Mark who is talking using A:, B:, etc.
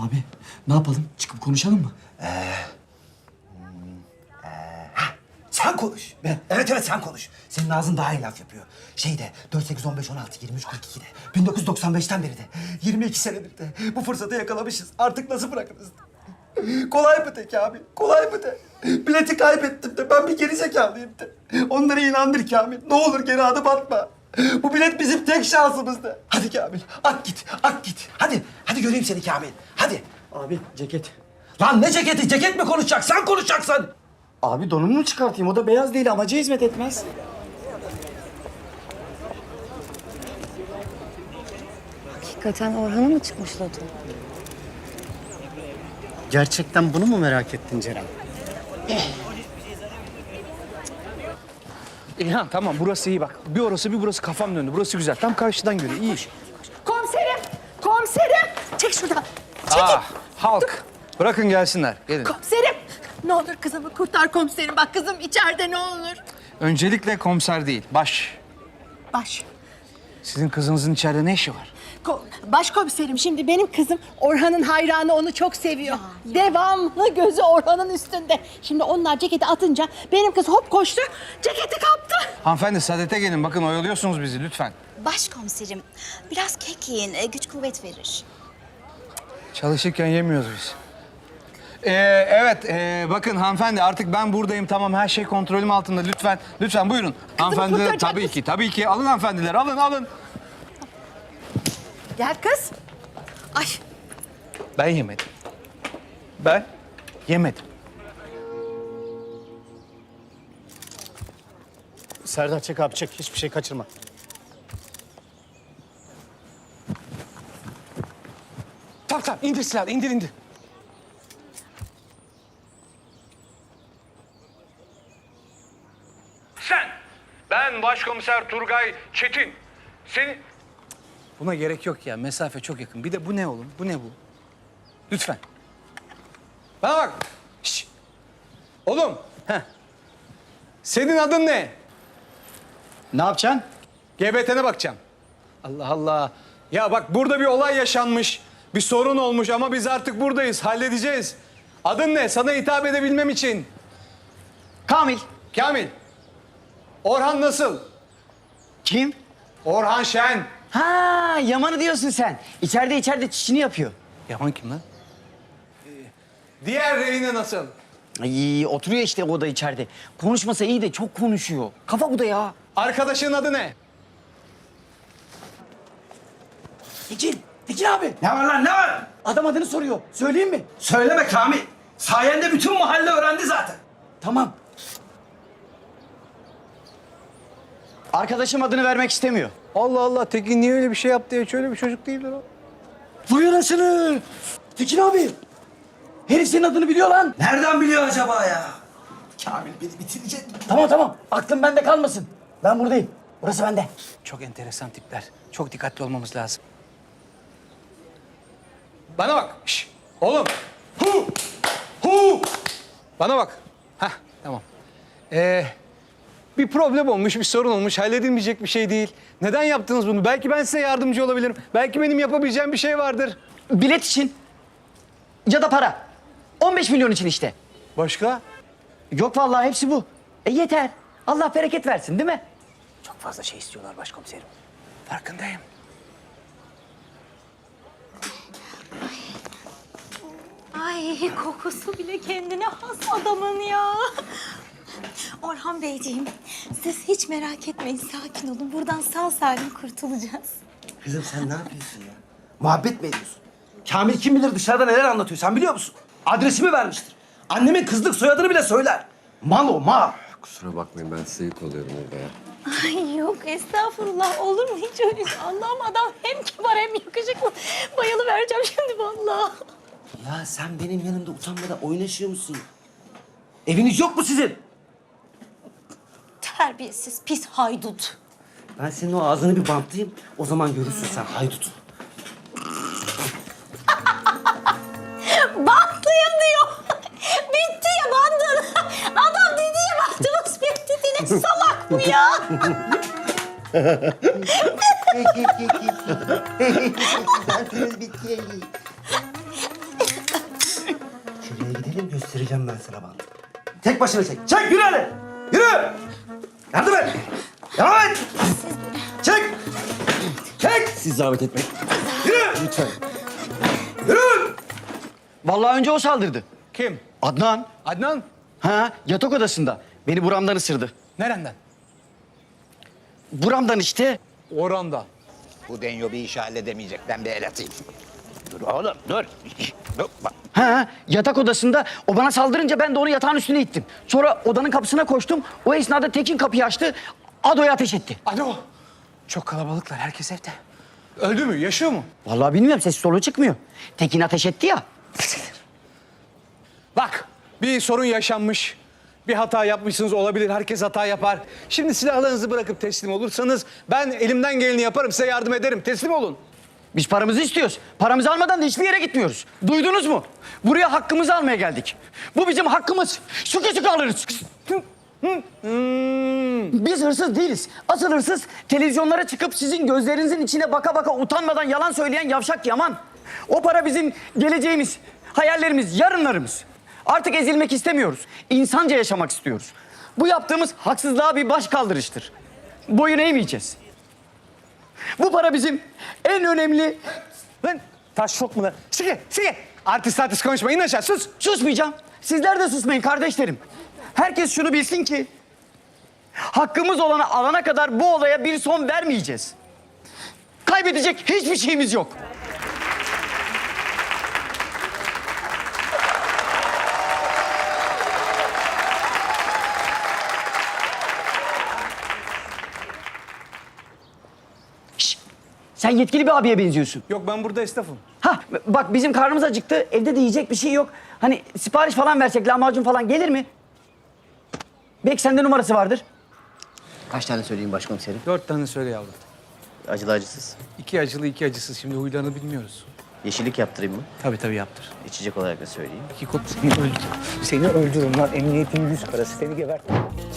A: Abi ne yapalım? Çıkıp konuşalım mı?
B: Sen konuş. Evet sen konuş. Senin ağzın daha iyi laf yapıyor. Şeyde 4, 8, 15, 16, 23, 42'de 1995'ten beri de 22 senedir de bu fırsatı yakalamışız. Artık nasıl bırakırız? Kolay mı tek abi? Kolay mı de? Bileti kaybettim de ben bir gerizekalıyım de. Onları inandır Kamil. Ne olur geri adım atma. Bu bilet bizim tek şansımız da. Hadi Kamil at git at git. Hadi göreyim seni Kamil. Hadi.
A: Abi ceket.
B: Lan ne ceketi? Ceket mi konuşacak? Sen konuşacaksın.
A: Abi donumu mu çıkartayım? O da beyaz değil, amaca hizmet etmez.
C: Hakikaten Orhan'a mı çıkmış loto?
A: Gerçekten bunu mu merak ettin Ceren?
D: İlhan tamam burası iyi bak. Bir orası bir burası kafam döndü. Burası güzel. Tam karşıdan görüyor. İyi.
C: Komiserim! Komiserim! Çek şuradan. Çekil.
D: Halk. Bırakın gelsinler. Gelin.
C: Komiserim! Ne olur kızımı kurtar komiserim. Bak kızım içeride ne olur.
D: Öncelikle komiser değil.
C: Baş.
D: Sizin kızınızın içeride ne işi var?
C: Başkomiserim şimdi benim kızım Orhan'ın hayranı onu çok seviyor. Devamlı gözü Orhan'ın üstünde. Şimdi onlar ceketi atınca benim kız hop koştu, ceketi kaptı.
D: Hanımefendi Saadet'e gelin. Bakın oyalıyorsunuz bizi lütfen.
E: Başkomiserim, biraz kek yiyin, güç kuvvet verir.
D: Çalışırken yemiyoruz biz. Evet, bakın hanımefendi artık ben buradayım. Tamam her şey kontrolüm altında. Lütfen buyurun. Hanımefendi
C: kurtaracak
D: tabii ki. Alın hanımefendiler, alın.
C: Gel kız. Ay
D: Ben yemedim. Ben yemedim.
A: Serdar çek abi çek. Hiçbir şey kaçırma.
D: Tamam indir silahı, indir. Ben Başkomiser Turgay Çetin. Seni... Buna gerek yok ya. Mesafe çok yakın. Bir de bu ne oğlum? Bu ne bu? Lütfen. Bana bak. Şişt. Oğlum. Senin adın ne?
A: Ne yapacaksın?
D: GBT'ne bakacağım. Allah Allah. Ya bak burada bir olay yaşanmış. Bir sorun olmuş ama biz artık buradayız. Halledeceğiz. Adın ne? Sana hitap edebilmem için.
A: Kamil.
D: Kamil. Orhan nasıl?
A: Kim?
D: Orhan Şen.
F: Ha, Yaman'ı diyorsun sen. İçeride çişini yapıyor.
D: Yaman kim lan? Diğer rehine nasıl?
F: Ay, oturuyor işte o da içeride. Konuşmasa iyi de çok konuşuyor. Kafa bu da ya.
D: Arkadaşın adı ne?
B: Tekin abi. Ne var lan ne var?
F: Adam adını soruyor. Söyleyeyim mi?
B: Söyleme Kamil. Sayende bütün mahalle öğrendi zaten.
F: Tamam. Arkadaşım adını vermek istemiyor.
D: Allah Allah Tekin niye öyle bir şey yaptı ya? Hiç öyle bir çocuk değildir o.
F: Vay anasını. Tekin abi. Herif senin adını biliyor lan.
B: Nereden biliyor acaba ya? Kamil beni bitirecek.
F: Tamam. Aklın bende kalmasın. Ben buradayım. Burası bende.
D: Çok enteresan tipler. Çok dikkatli olmamız lazım. Bana bak. Şş, oğlum. Hu. Bana bak. Hah tamam. Bir problem olmuş, bir sorun olmuş. Halledilmeyecek bir şey değil. Neden yaptınız bunu? Belki ben size yardımcı olabilirim. Belki benim yapabileceğim bir şey vardır.
F: Bilet için. Ya da para. 15 milyon için işte.
D: Başka?
F: Yok vallahi hepsi bu. Yeter. Allah bereket versin değil mi? Çok fazla şey istiyorlar başkomiserim.
D: Farkındayım.
E: Ay kokusu bile kendine has adamın ya. Orhan Beyciğim, siz hiç merak etmeyin, sakin olun. Buradan sağ salim kurtulacağız.
B: Kızım sen ne yapıyorsun ya? Muhabbet mi ediyorsun? Kamil kim bilir dışarıda neler anlatıyor sen biliyor musun? Adresimi vermiştir. Annemin kızlık soyadını bile söyler. Mal o mal.
G: Kusura bakmayın ben size yük oluyorum orada ya.
E: Ay yok estağfurullah, olur mu hiç öyle şey? Allah'ım adam hem kibar hem yakışıklı. Bayılıvereceğim şimdi vallahi.
B: Ya sen benim yanımda utanmadan oynaşıyor musun? Eviniz yok mu sizin?
E: Terbiyesiz pis haydut.
B: Ben senin o ağzını bir bantlayayım. O zaman görürsün sen haydut.
E: Bantlayın diyor. Bitti ya bandın. Adam dedi ya bandımız bitti diye salak mı ya?
B: Gel göstereceğim ben sana bandı. Tek başına çek. Çek yürü hadi. Yürü. Yardım et. Devam et. Çek. Çek.
F: Siz zahmet etmeyin.
B: Yürü. Lütfen. Yürü.
F: Vallahi önce o saldırdı.
D: Kim?
F: Adnan.
D: Adnan?
F: Ha, yatak odasında. Beni buramdan ısırdı.
D: Nereden?
F: Buramdan işte.
D: Oranda.
H: Bu Denyo bir işi halledemeyecek. Ben bir el atayım. Dur oğlum dur. Dur bak.
F: Ha, yatak odasında. O bana saldırınca ben de onu yatağın üstüne ittim. Sonra odanın kapısına koştum. O esnada Tekin kapıyı açtı. Ado'ya ateş etti.
D: Alo. Çok kalabalıklar. Herkes evde. Öldü mü? Yaşıyor mu?
F: Vallahi bilmiyorum, ses soluğu çıkmıyor. Tekin ateş etti ya.
D: Bak, bir sorun yaşanmış. Bir hata yapmışsınız, olabilir. Herkes hata yapar. Şimdi silahlarınızı bırakıp teslim olursanız ben elimden geleni yaparım, size yardım ederim. Teslim olun.
F: Biz paramızı istiyoruz. Paramızı almadan da hiçbir yere gitmiyoruz. Duydunuz mu? Buraya hakkımızı almaya geldik. Bu bizim hakkımız. Sıkı sıkı alırız. Biz hırsız değiliz. Asıl hırsız televizyonlara çıkıp sizin gözlerinizin içine baka baka utanmadan yalan söyleyen yavşak Yaman. O para bizim geleceğimiz, hayallerimiz, yarınlarımız. Artık ezilmek istemiyoruz. İnsanca yaşamak istiyoruz. Bu yaptığımız haksızlığa bir baş kaldırıştır. Boyun eğmeyeceğiz. Bu para bizim en önemli...
D: Lan taş çok mu lan? Sige. Artist konuşma. İn aşağı, sus.
F: Susmayacağım. Sizler de susmayın kardeşlerim. Herkes şunu bilsin ki... hakkımız olanı alana kadar bu olaya bir son vermeyeceğiz. Kaybedecek hiçbir şeyimiz yok. Şşt! Sen yetkili bir abiye benziyorsun.
D: Yok, ben burada esnafım.
F: Ha bak, bizim karnımız acıktı. Evde de yiyecek bir şey yok. Hani sipariş falan versek, lahmacun falan gelir mi? Belki sende numarası vardır.
I: Kaç tane söyleyeyim başkomiserim?
D: 4 tane söyle yavrum.
I: Acılı acısız.
D: 2 acılı, 2 acısız. Şimdi huylarını bilmiyoruz.
I: Yeşillik yaptırayım mı?
D: Tabii yaptır.
I: İçecek olarak da söyleyeyim.
D: 2 kop seni öldürürüm. Seni öldürürüm lan. Emniyetin 100 parası. Seni gebertirim.